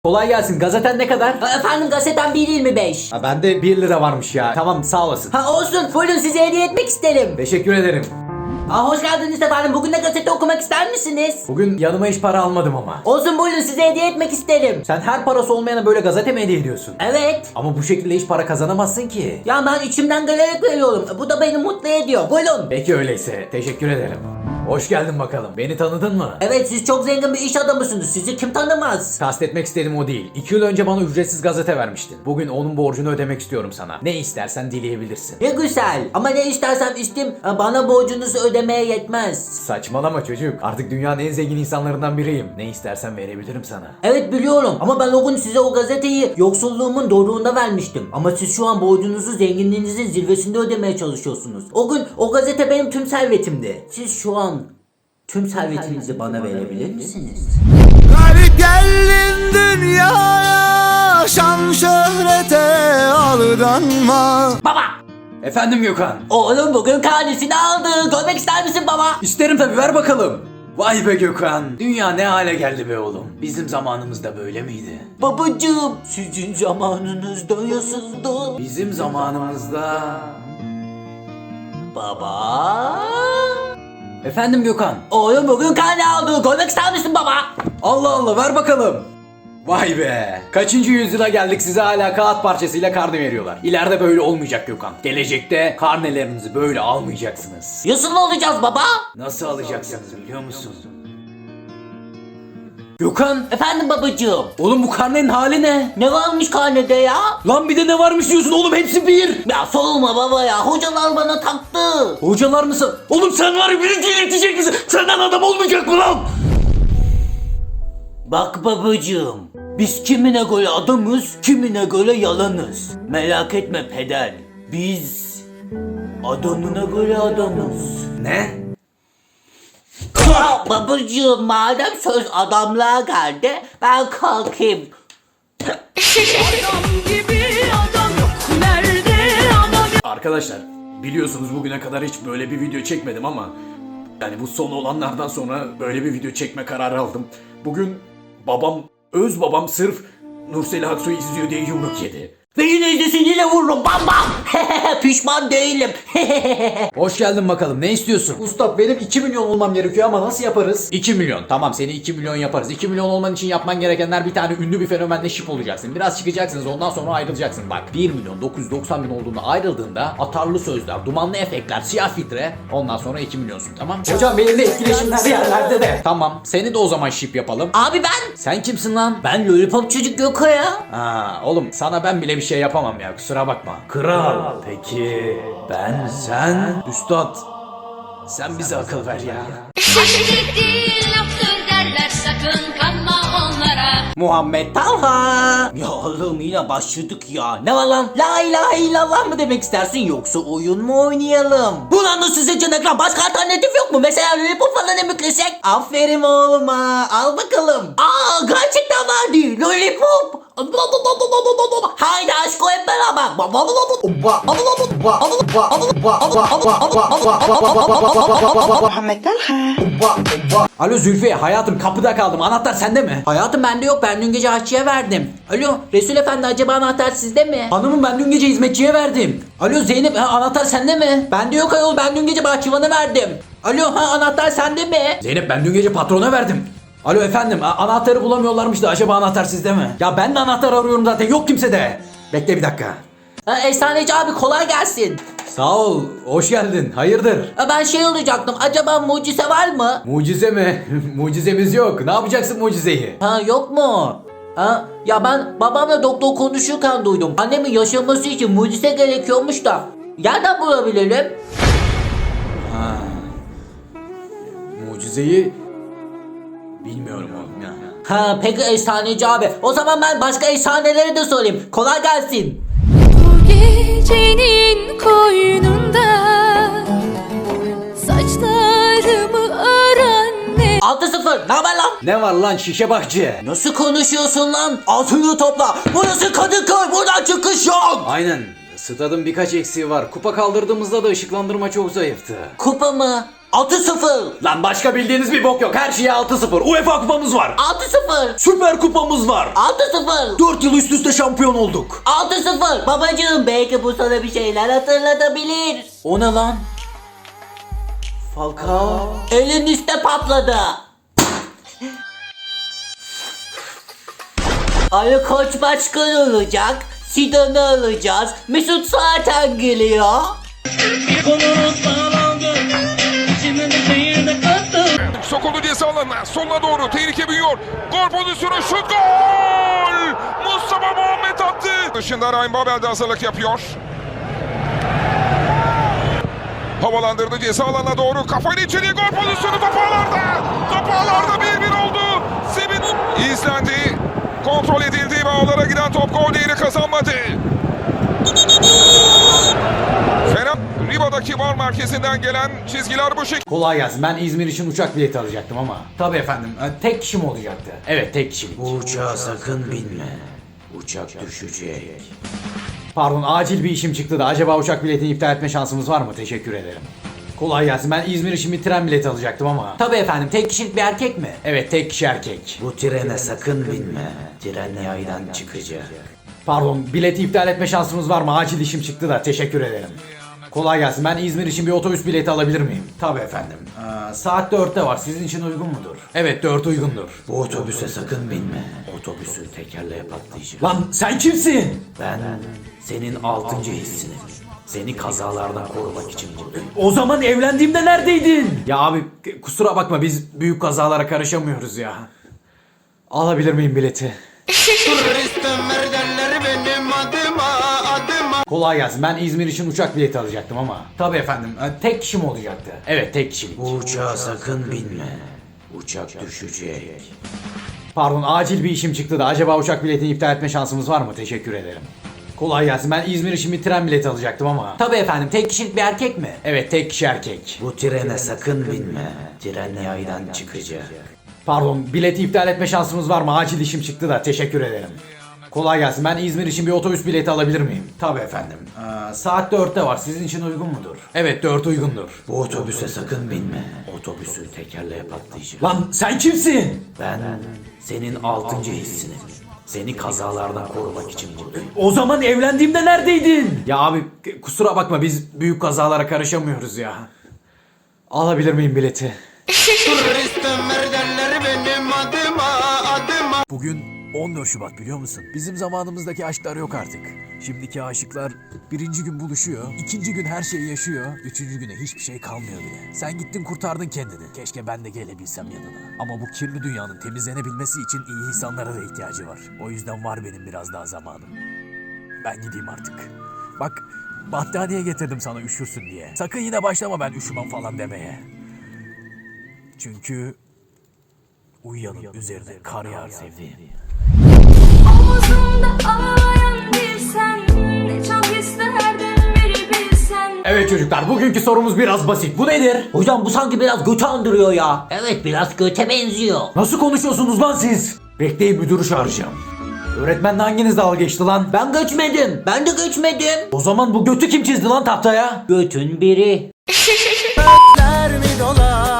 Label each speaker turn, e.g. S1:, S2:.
S1: Kolay gelsin. Gazeten ne kadar?
S2: Efendim gazetem 1.25.
S1: Ha, bende 1 lira varmış ya. Tamam sağ olasın.
S2: Ha olsun, buyurun size hediye etmek isterim.
S1: Teşekkür ederim.
S2: Hoş geldiniz efendim. Bugün de gazete okumak ister misiniz?
S1: Bugün yanıma hiç para almadım ama.
S2: Olsun, buyurun size hediye etmek isterim.
S1: Sen her parası olmayana böyle gazete mi hediye ediyorsun?
S2: Evet.
S1: Ama bu şekilde hiç para kazanamazsın ki.
S2: Ya ben içimden gelerek veriyorum. Bu da beni mutlu ediyor. Buyurun.
S1: Peki öyleyse. Teşekkür ederim. Hoş geldin bakalım. Beni tanıdın mı?
S2: Evet, siz çok zengin bir iş adamısınız. Sizi kim tanımaz?
S1: Kastetmek istediğim o değil. 2 yıl önce bana ücretsiz gazete vermiştin. Bugün onun borcunu ödemek istiyorum sana. Ne istersen dileyebilirsin.
S2: Ne güzel. Ama ne istersem isteyeyim, bana borcunuzu ödemeye yetmez.
S1: Saçmalama çocuk. Artık dünyanın en zengin insanlarından biriyim. Ne istersen verebilirim sana.
S2: Evet biliyorum, ama ben o gün size o gazeteyi yoksulluğumun doruğunda vermiştim. Ama siz şu an borcunuzu zenginliğinizin zirvesinde ödemeye çalışıyorsunuz. O gün o gazete benim tüm servetimdi. Siz şu an tüm servetinizi bana verebilir misiniz?
S3: Garip geldin dünyaya, şan şöhrete aldanma.
S2: Baba!
S1: Efendim Gökhan.
S2: Oğlum bugün karnesini aldı. Görmek ister misin baba?
S1: İsterim tabii, ver bakalım. Vay be Gökhan. Dünya ne hale geldi be oğlum. Bizim zamanımızda böyle miydi?
S2: Babacığım, sizin zamanınızda nasıldı?
S1: Bizim zamanımızda...
S2: Baba?
S1: Efendim Gökhan.
S2: Oğlum bugün karne aldı. Görmek ister misin baba?
S1: Allah Allah, ver bakalım. Vay be. Kaçıncı yüzyıla geldik, size hala kağıt parçasıyla karne veriyorlar. İleride böyle olmayacak Gökhan. Gelecekte karnelerinizi böyle almayacaksınız.
S2: Nasıl olacağız baba?
S1: Nasıl alacaksınız biliyor musun? Gökhan.
S2: Efendim babacığım.
S1: Oğlum bu karnenin hali ne?
S2: Ne varmış karnede ya?
S1: Lan bir de ne varmış diyorsun oğlum, hepsi bir.
S2: Ya sorma baba ya. Hocalar bana taktı.
S1: Hocalar mısın? Oğlum sen var ya, beni delirtecek misin? Senden adam olmayacak mı lan?
S2: Bak babacığım. Biz kimine göre adamız, kimine göre yalanız. Merak etme peder. Biz adamına göre adamız.
S1: Ne?
S2: Babacığım, madem söz adamlığa geldi, ben kalkayım.
S4: Adam gibi adam yok nerede adam?
S1: Arkadaşlar biliyorsunuz bugüne kadar hiç böyle bir video çekmedim ama yani bu son olanlardan sonra böyle bir video çekme kararı aldım. Bugün öz babam sırf Nursel Aksu'yu izliyor diye yumruk yedi.
S2: Ve yine izlesin, yine vururum, bam bam. Pişman değilim.
S1: Hoş geldin bakalım, ne istiyorsun? Usta benim 2 milyon olmam gerekiyor ama nasıl yaparız? 2 milyon, tamam seni 2 milyon yaparız. 2 milyon olman için yapman gerekenler, bir tane ünlü bir fenomenle şip olacaksın. Biraz çıkacaksınız, ondan sonra ayrılacaksın. Bak 1 milyon 990 bin olduğunda ayrıldığında atarlı sözler, dumanlı efektler, siyah filtre, ondan sonra 2 milyonsun, tamam mı? Hocam benimle etkileşimler yerlerde de. Tamam, seni de o zaman şip yapalım.
S2: Abi ben
S1: Sen kimsin lan?
S2: Ben lollipop çocuk Göko ya.
S1: Ha oğlum, sana ben bile bir şey yapamam ya, kusura bakma. Kral. Peki sen üstad, sen bize akıl ver ya.
S4: Şaşırtık değil laftır derler, sakın kanma onlara.
S2: Muhammed Talha. Ya oğlum yine başladık ya. Ne var lan? La ilahe illallah mı demek istersin, yoksa oyun mu oynayalım? Ulan nasıl seçen ekran? Başka alternatif yok mu? Mesela lollipop falan emeklesek? Aferin oğluma. Al bakalım. Gerçekten vardı. Lollipop. Haydi aşko hep beraber.
S5: Muhammed Talha.
S1: Alo Zülfiye, hayatım kapıda kaldım, anahtar sende mi?
S2: Hayatım bende yok, ben dün gece aşçıya verdim. Alo Resul Efendi, acaba anahtar sizde mi?
S1: Hanımım ben dün gece hizmetçiye verdim.
S2: Alo Zeynep, anahtar sende mi? Bende yok ayol, ben dün gece bahçıvana verdim. Alo anahtar sende mi?
S1: Zeynep ben dün gece patrona verdim. Alo efendim, anahtarı bulamıyorlarmış da acaba anahtar sizde mi? Ya ben de anahtar arıyorum zaten, yok kimse de. Bekle bir dakika.
S2: Efsaneci abi kolay gelsin.
S1: Sağ ol, hoş geldin, hayırdır?
S2: Ben şey olacaktım, acaba mucize var mı?
S1: Mucize mi? Mucizemiz yok, ne yapacaksın mucizeyi?
S2: Yok mu? Ya ben babamla doktor konuşurken duydum. Annemin yaşaması için mucize gerekiyormuş da. Nereden bulabilirim?
S1: Mucizeyi bilmiyorum oğlum ya.
S2: Peki efsaneci abi. O zaman ben başka efsaneleri de sorayım. Kolay gelsin.
S4: Bu gecenin koynunda saçlarımı ören ne?
S2: 6-0. Ne haber lan?
S1: Ne var lan şişe bakçı?
S2: Nasıl konuşuyorsun lan? Altını topla. Burası Kadıköy. Buradan çıkış yok.
S1: Aynen, stadın birkaç eksiği var. Kupa kaldırdığımızda da ışıklandırma çok zayıftı.
S2: Kupa mı? 6-0.
S1: Lan başka bildiğiniz bir bok yok. Her şeye 6-0. UEFA kupamız var.
S2: 6-0.
S1: Süper kupamız var.
S2: 6-0.
S1: 4 yıl üst üste şampiyon olduk.
S2: 6-0. Babacığım belki bu sana bir şeyler hatırlatabilir. O ne lan? Falcao. Elin üstte patladı. Ali Koç başkan olacak. Sidan'ı alacağız. Mesut zaten geliyor.
S6: Sokuldu ceza alanına. Soluna doğru tehlike büyüyor. Gol pozisyonu, şut, gol! Mustafa Muhammed attı. Dışında Ryan Babel de hazırlık yapıyor. Havalandırdı ceza alanına doğru. Kafayla içeriye, gol pozisyonu, top ağlarda. Top ağlarda 1-1 oldu. Sevinç izlendi. Kontrol edildi ve ağlara giden top gol değeri kazanmadı. Fena Riba'daki VAR merkezinden gelen çizgiler bu şekilde.
S1: Kolay gelsin. Ben İzmir için uçak bileti alacaktım ama. Tabii efendim. Tek kişi mi olacaktı? Evet, tek kişilik.
S2: Bu uçağa sakın binme. Uçak düşecek.
S1: Pardon, acil bir işim çıktı da acaba uçak biletini iptal etme şansımız var mı? Teşekkür ederim. Kolay gelsin. Ben İzmir için bir tren bileti alacaktım ama.
S2: Tabii efendim, tek kişilik bir erkek mi?
S1: Evet, tek kişi erkek.
S2: Bu trene sakın binme. Tren yaydan çıkacak.
S1: Pardon, bileti iptal etme şansımız var mı? Acil işim çıktı da teşekkür ederim. Kolay gelsin. Ben İzmir için bir otobüs bileti alabilir miyim? Tabii efendim. Saat 4'te var. Sizin için uygun mudur? Evet, 4 uygundur.
S2: Bu otobüse sakın binme. Otobüsün tekerleğe patlayacak.
S1: Lan sen kimsin?
S2: Ben senin 6. hissinim. Seni kazalardan korumak için buradayım.
S1: O zaman evlendiğimde neredeydin? Ya abi kusura bakma, biz büyük kazalara karışamıyoruz ya. Alabilir miyim bileti? Kolay gelsin. Ben İzmir için uçak bileti alacaktım ama. Tabii efendim. Tek kişi mi olacaktı? Evet, tek kişilik.
S2: Bu uçağa sakın binme. Uçak düşecek.
S1: Pardon, acil bir işim çıktı da acaba uçak biletini iptal etme şansımız var mı? Teşekkür ederim. Kolay gelsin. Ben İzmir için bir tren bileti alacaktım ama.
S2: Tabii efendim, tek kişilik bir erkek mi?
S1: Evet, tek kişi erkek.
S2: Bu trene sakın binme. Tren yaydan çıkacak.
S1: Pardon, bileti iptal etme şansımız var mı? Acil işim çıktı da teşekkür ederim. Kolay gelsin. Ben İzmir için bir otobüs bileti alabilir miyim? Tabii efendim. Saat 4'te var. Sizin için uygun mudur? Evet, 4 uygundur.
S2: Bu otobüse sakın binme. Otobüsün tekerleğe patlayacak.
S1: Lan sen kimsin?
S2: Ben senin 6. hissinim. Seni kazalardan korumak için buradayım.
S1: O zaman evlendiğimde neredeydin? Ya abi kusura bakma, biz büyük kazalara karışamıyoruz ya. Alabilir miyim bileti?
S7: Bugün 14 Şubat, biliyor musun? Bizim zamanımızdaki aşklar yok artık. Şimdiki aşıklar birinci gün buluşuyor, ikinci gün her şeyi yaşıyor, üçüncü güne hiçbir şey kalmıyor bile. Sen gittin kurtardın kendini. Keşke ben de gelebilsem yanına. Ama bu kirli dünyanın temizlenebilmesi için iyi insanlara da ihtiyacı var. O yüzden var benim biraz daha zamanım. Ben gideyim artık. Bak, battaniye getirdim sana üşürsün diye. Sakın yine başlama ben üşümem falan demeye. Çünkü uyuyanın üzerine kar yağar sevdiğim.
S4: Omuzumda ağlayan bir sen, ne çok isterdim biri bilsen.
S1: Evet çocuklar, bugünkü sorumuz biraz basit. Bu nedir?
S2: Hocam bu sanki biraz götü andırıyor ya. Evet, biraz göte benziyor.
S1: Nasıl konuşuyorsunuz lan siz? Bekleyin, müdürü çağıracağım. Öğretmenle hanginiz dalga geçti lan?
S2: Ben göçmedim. Ben de göçmedim.
S1: O zaman bu götü kim çizdi lan tahtaya?
S2: Götün biri.
S3: mi dolar